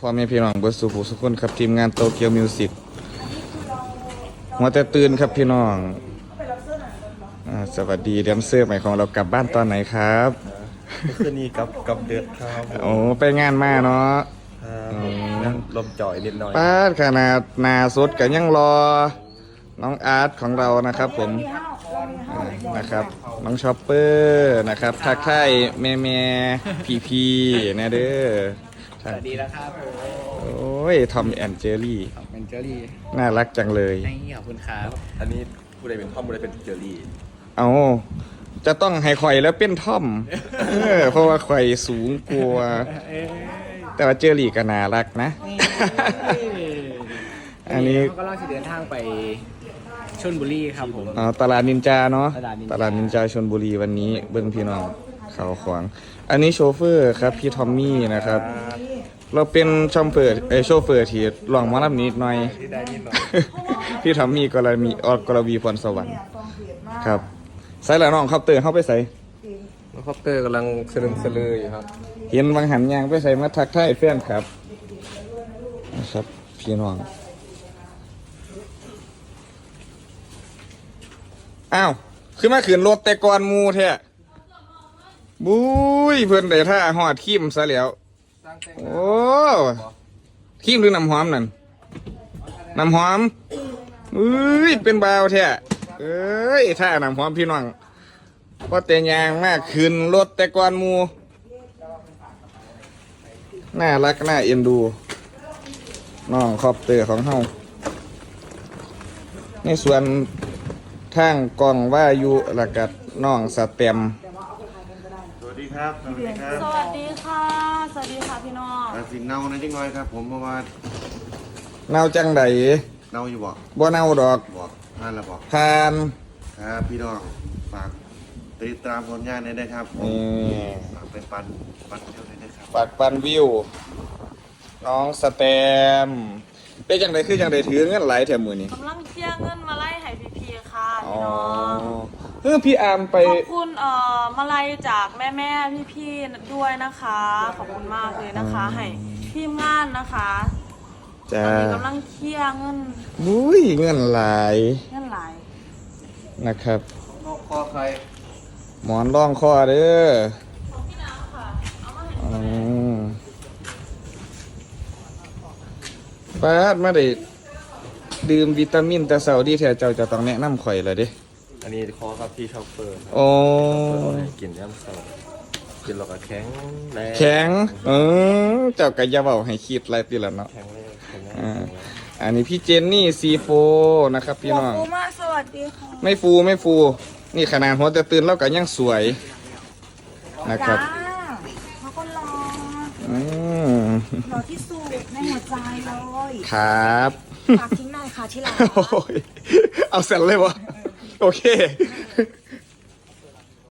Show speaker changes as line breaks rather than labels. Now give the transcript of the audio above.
พ่อแม่พี่น้องเบิร์ดสุภูสุขคนครับทีมงานโตเกียวมิวสิกหัวแต่ตื่นครับพี่น้องสวัสดีแดนเซอร์ใหม่ของเรากลับบ้านตอนไหนครับ
คืนนี้กับเดือดครับ
โอ้ไปงานมาเนาะ
ลมจ่อยนิดหน่อย
ป้าขนาดนาสดกันยังรอน้องอาร์ตของเรานะครับผมนะครับน้องชอปเปอร์นะครับทักทายแม่พีนะเด้อ
สวัสดีแล้วครับผม
โอ้ยทอมแอนเจอรี่
เป็นเจอรี่
น่ารักจังเลย
ขอบคุณครับ
อันนี้ผู้ใดเป็นทอมผู้ใดเป็นเจอรี่
เอาจะต้องให้ข่อยแล้วเป็นทอมเพราะว่าข่อยสูงกว่าแต่ว่าเจอรี่ก็น่ารักนะอันนี้
ก็ล่าสุดเดินทางไปชลบุรีครับผม
ตลาดนินจาเนาะตลาดนินจาชลบุรีวันนี้เบิ้งพี่น้องเขาขวางอันนี้โชเฟอร์ครับพี่ทอมมี่นะครับเราเป็นชอมเฟอร์โชเฟอร์ที่ลองมารับนิดหน่อยพี่ทอมมี่กรวีพรสวรรค์ครับใส่ละน้องครับเตอร์เข้าไปใส่
คอปเตอร์กำลังสลึมสลืออยู่ครับ
เห็นบางหันยางไปใส่มาทักทายแฟนครับนะครับพี่น้องอ้าวขึ้นมาขืนรถแต่ก่อนมูแท้บุ้ยเพื่อนได้ท่าหอดขี้มซะแล้วโอ้ขี้มหรือน้ำหอมนั่นน้ำหอมเป็นบาวแท้ท่าน้ำหอมพี่น้องก็แต่ยางมากขึ้นรถแต่ก่อนมูน่ารักน่าเอ็นดูน้องคอปเตอร์ของเฮาในส่วนทางกองว่าอยู่หลักกัดน้องสเต็ม
สวัสดีครับสวัสดีครับ
สวัสดีค่ะสวัสดีค่ะพี่น้อง
สิเน่าในจังน้อยครับผมเพราะว่า
เน่าจังใด
เน่าอยู่
บ่เน่าดอก
ทานแล้ว
ทาน
ครับพี่น้องฝากติดตามผลงานได้ครับฝากเป็นปันเที่ยวได้ครับ
ฝากปันวิวน้องสเต็มเป็นจังใดคือจังใดถือเงินไหลแถมมือนี้
กำลังเชี่ยเงินมาไล่ให้พี่ค่ะพี่น้อง
พี่อาร์มไป
ขอบคุณมาไล่จากแม่พี่ด้วยนะคะขอบคุณมากเลยนะคะให้ทีมงานนะคะตอนนี้กำลังเชี่ยเงิน
เงินไหลนะครับ
นอกคอใคร
หมอนรองคอเด้อ
ของพี่น้ำค่ะเอามาให้
ป้าดมาได้ดื่มวิตามินแต่เช้าดีแท้เจ้าจะต้องแนะนำข่อยเลยดิ
อันนี้คอครับพี่ชอปเปอร์
โอ้
กินย่ำเช้ากินแล้วก็แข็ง
เจ้ากะอย่าเว้าให้คิดอะไรติละเนาะ
แข็งเลย
อันนี้พี่เจนนี่ซีโฟนะครับพี่น้อง
ฟูมากสวัสดีค่ะ
ไม่ฟูนี่ขนาดหัวแต่ตื่นแล้วก็ยังสวยนะครับ
เขาก็รอที่สุดในหัวใจเลย
ครับ
ฝากทิ้งหน่อยค่ะที่รัก
เอาเสร็จเลยวะโอเค